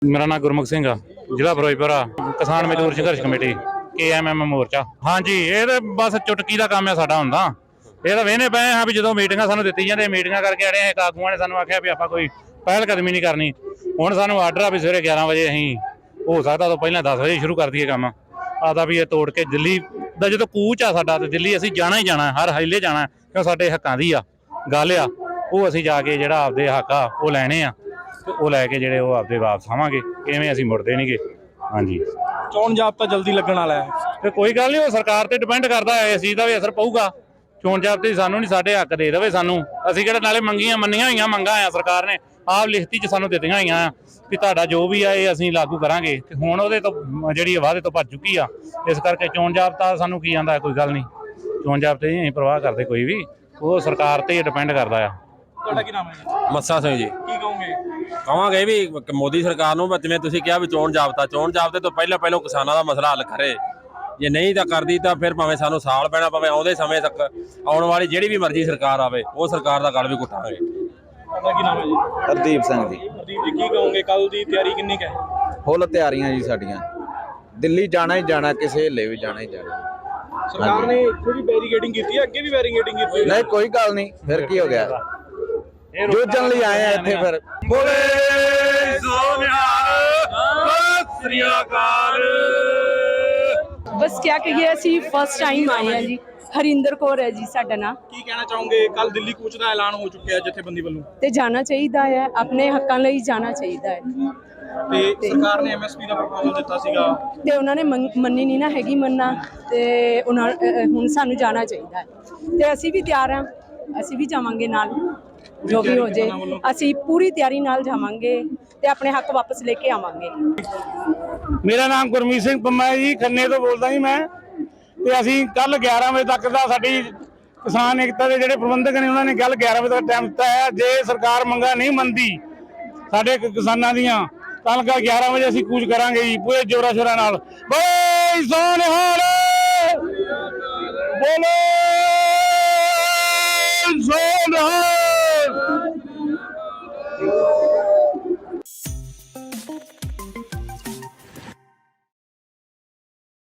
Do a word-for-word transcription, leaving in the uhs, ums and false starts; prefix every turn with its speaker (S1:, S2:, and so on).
S1: मेरा नाम गुरमुख सिंह आ, जिला फिरोजपुर आ, किसान मजदूर संघर्ष कमेटी के एम एम मोर्चा। हाँ जी, ये बस चुटकी का काम है साडा हुंदा। ਇਹ ਤਾਂ ਵੇਹਨੇ ਪਏ ਹਾਂ ਵੀ ਜਦੋਂ ਮੀਟਿੰਗਾਂ ਸਾਨੂੰ ਦਿੱਤੀ ਜਾਂਦੇ ਮੀਟਿੰਗਾਂ ਕਰਕੇ ਆੜੇ ਆ ਕਾਗੂਆਂ ਨੇ ਸਾਨੂੰ ਆਖਿਆ ਵੀ ਆਪਾਂ ਕੋਈ ਪਹਿਲ ਕਦਮੀ ਨਹੀਂ ਕਰਨੀ। ਹੁਣ ਸਾਨੂੰ ਆਰਡਰ ਆ ਵੀ ਸਵੇਰੇ ਗਿਆਰਾਂ ਵਜੇ ਅਸੀਂ ਹੋ ਸਕਦਾ ਤੋਂ ਪਹਿਲਾਂ ਦਸ ਵਜੇ ਸ਼ੁਰੂ ਕਰ ਦਈਏ ਕੰਮ ਆਦਾ ਵੀ ਇਹ ਤੋੜ ਕੇ ਦਿੱਲੀ ਦਾ ਜਦੋਂ ਕੂਚ ਆ ਸਾਡਾ ਤੇ ਦਿੱਲੀ ਅਸੀਂ ਜਾਣਾ ਹੀ ਜਾਣਾ, ਹਰ ਹਾਈਲੇ ਜਾਣਾ ਕਿਉਂ ਸਾਡੇ ਹੱਕਾਂ ਦੀ ਆ ਗੱਲ ਆ। ਉਹ ਅਸੀਂ ਜਾ ਕੇ ਜਿਹੜਾ ਆਪਦੇ ਹੱਕ ਆ ਉਹ ਲੈਣੇ ਆ ਤੇ ਉਹ ਲੈ ਕੇ ਜਿਹੜੇ ਉਹ ਆਪਦੇ ਵਾਪਸ ਆਵਾਂਗੇ, ਇਵੇਂ ਅਸੀਂ ਮੁੜਦੇ ਨਹੀਂਗੇ। ਹਾਂਜੀ,
S2: ਚੋਣ ਜਾਬਤਾ ਜਲਦੀ ਲੱਗਣ ਵਾਲਾ ਹੈ
S1: ਤੇ ਕੋਈ ਗੱਲ ਨਹੀਂ, ਉਹ ਸਰਕਾਰ ਤੇ ਡਿਪੈਂਡ ਕਰਦਾ ਹੈ, ਇਸ ਚੀਜ਼ ਦਾ ਵੀ ਅਸਰ ਪਊਗਾ। ਚੋਣ ਜਾਬਤੇ ਸਾਨੂੰ ਨਹੀਂ, ਸਾਡੇ ਹੱਕ ਦੇ ਦੇਵੇ ਸਾਨੂੰ। ਅਸੀਂ ਕਿਹੜਾ ਨਾਲੇ ਮੰਗੀਆਂ ਮੰਨੀਆਂ ਹੋਈਆਂ ਮੰਗਾਂ ਆ, ਸਰਕਾਰ ਨੇ ਆਪ ਲਿਖਤੀ 'ਚ ਸਾਨੂੰ ਦਿੱਤੀਆਂ ਹੋਈਆਂ ਵੀ ਤੁਹਾਡਾ ਜੋ ਵੀ ਆ ਇਹ ਅਸੀਂ ਲਾਗੂ ਕਰਾਂਗੇ। ਤੇ ਹੁਣ ਉਹਦੇ ਤੋਂ ਜਿਹੜੀ ਵਾਅਦੇ ਤੋਂ ਭੱਜ ਚੁੱਕੀ ਆ, ਇਸ ਕਰਕੇ ਚੋਣ ਜਾਬਤਾ ਸਾਨੂੰ ਕੀ ਆਂਦਾ ਕੋਈ ਗੱਲ ਨਹੀਂ। ਚੋਣ ਜਾਬਤੇ ਨਹੀਂ ਅਸੀਂ ਪ੍ਰਵਾਹ ਕਰਦੇ ਕੋਈ ਵੀ, ਉਹ ਸਰਕਾਰ ਤੇ ਡਿਪੈਂਡ ਕਰਦਾ ਆ।
S2: ਤੁਹਾਡਾ ਕੀ ਨਾਮ ਹੈ ਜੀ?
S3: ਮੱਸਾ ਸਿੰਘ ਜੀ।
S2: ਕੀ ਕਹੋਗੇ?
S3: ਕਹਾਂਗੇ ਵੀ ਮੋਦੀ ਸਰਕਾਰ ਨੂੰ ਜਿਵੇਂ ਤੁਸੀਂ ਕਿਹਾ ਵੀ ਚੋਣ ਜਾਬਤਾ ਚੋਣ ਜਾਬਤੇ ਤੋਂ ਪਹਿਲਾਂ ਪਹਿਲਾਂ ਕਿਸਾਨਾਂ ਦਾ ਮਸਲਾ ਹੱਲ ਕਰੇ। ਜੇ ਨਹੀਂ ਤਾਂ ਕਰਦੀ ਤਾਂ ਫਿਰ ਭਾਵੇਂ ਸਾਨੂੰ ਸਾਲ ਪੈਣਾ ਪਵੇ, ਆਉਂਦੇ ਸਮੇਂ ਤੱਕ ਆਉਣ ਵਾਲੀ ਜਿਹੜੀ ਵੀ ਮਰਜ਼ੀ ਸਰਕਾਰ ਆਵੇ ਉਹ ਸਰਕਾਰ ਦਾ ਗਲ ਵੀ ਘੁੱਟਾਂਗੇ।
S2: ਤੁਹਾਡਾ ਕੀ ਨਾਮ ਹੈ ਜੀ?
S4: ਹਰਦੀਪ ਸਿੰਘ ਜੀ।
S2: ਹਰਦੀਪ ਜੀ, ਕੀ ਕਹੋਗੇ? ਕੱਲ ਦੀ ਤਿਆਰੀ ਕਿੰਨੀ ਕੁ ਹੈ?
S4: ਫੁੱਲ ਤਿਆਰੀਆਂ ਜੀ ਸਾਡੀਆਂ। ਦਿੱਲੀ ਜਾਣਾ ਹੀ ਜਾਣਾ, ਕਿਸੇ ਹਿੱਲੇ ਵੀ ਜਾਣਾ ਹੀ ਜਾਣਾ।
S2: ਸਰਕਾਰ ਨੇ ਇੱਥੇ ਵੀ ਬੈਰੀਕੇਡਿੰਗ ਕੀਤੀ ਹੈ, ਅੱਗੇ ਵੀ ਬੈਰੀਕੇਡਿੰਗ ਕੀਤੀ ਹੈ।
S4: ਨਹੀਂ ਕੋਈ ਗੱਲ ਨਹੀਂ, ਫਿਰ ਕੀ ਹੋ ਗਿਆ, ਜੂਝਣ ਲਈ ਆਏ ਆ ਇੱਥੇ। ਫਿਰ
S1: ਬੋਲੇ ਸੋ ਨਿਹਾਲ ਸਤਿ ਸ੍ਰੀ ਅਕਾਲ।
S5: बस क्या कहिए, ਅਸੀਂ फर्स्ट टाइम आए हैं जी। हरिंदर कौर है जी साडा नाम।
S2: ਕੀ ਕਹਿਣਾ ਚਾਹੋਗੇ? ਕੱਲ ਦਿੱਲੀ ਕੂਚ ਦਾ ਐਲਾਨ ਹੋ ਚੁੱਕਿਆ ਜਥੇਬੰਦੀ ਵੱਲੋਂ,
S5: ਤੇ ਜਾਣਾ ਚਾਹੀਦਾ ਹੈ, ਆਪਣੇ ਹੱਕਾਂ ਲਈ ਜਾਣਾ ਚਾਹੀਦਾ ਹੈ।
S2: ਤੇ ਸਰਕਾਰ ਨੇ ਐਮ ਐਸ ਪੀ ਦਾ ਪ੍ਰਪੋਜ਼ਲ ਦਿੱਤਾ ਸੀਗਾ
S5: ਤੇ ਉਹਨਾਂ ਨੇ ਮੰਨ- ਮੰਨੀ ਨਹੀਂ ਨਾ ਹੈਗੀ ਮੰਨਣਾ, ਤੇ ਉਹਨਾਂ ਅਹ ਹੁਣ ਸਾਨੂੰ ਜਾਣਾ ਚਾਹੀਦਾ ਹੈ ਤੇ ਅਸੀਂ ਵੀ ਤਿਆਰ ਹਾਂ, ਅਸੀਂ ਵੀ ਜਾਵਾਂਗੇ ਨਾਲ, ਜੋ ਵੀ ਹੋ ਜੇ ਅਸੀਂ ਪੂਰੀ ਤਿਆਰੀ ਨਾਲ ਜਾਵਾਂਗੇ ਤੇ ਆਪਣੇ ਹੱਕ ਵਾਪਸ ਲੈ ਕੇ ਆਵਾਂਗੇ।
S6: ਮੇਰਾ ਨਾਮ ਗੁਰਮੀਤ ਸਿੰਘ ਪੰਮਾ ਹੈ ਜੀ, ਖੰਨੇ ਤੋਂ ਬੋਲਦਾ ਜੀ ਮੈਂ। ਤੇ ਅਸੀਂ ਕੱਲ ਗਿਆਰਾਂ ਵਜੇ ਤੱਕ ਦਾ ਸਾਡੀ ਕਿਸਾਨ ਏਕਤਾ ਦੇ ਜਿਹੜੇ ਪ੍ਰਬੰਧਕ ਨੇ ਉਹਨਾਂ ਨੇ ਕੱਲ ਗਿਆਰਾਂ ਵਜੇ ਤੱਕ ਟਾਈਮ ਦਿੱਤਾ ਹੈ। ਜੇ ਸਰਕਾਰ ਮੰਗਾਂ ਨਹੀਂ ਮੰਨਦੀ ਸਾਡੇ ਕਿਸਾਨਾਂ ਦੀਆਂ ਤਾਂ ਕੱਲ ਗਿਆਰਾਂ ਵਜੇ ਅਸੀਂ ਕੂਚ ਕਰਾਂਗੇ ਜੀ ਪੂਰੇ ਜੋਰਾਂ ਸ਼ੋਰਾਂ ਨਾਲ। ਬੋਲੇ ਸੋ ਨਿਹਾਲ, ਬੋਲੇ ਸੋ ਨਿਹਾਲ।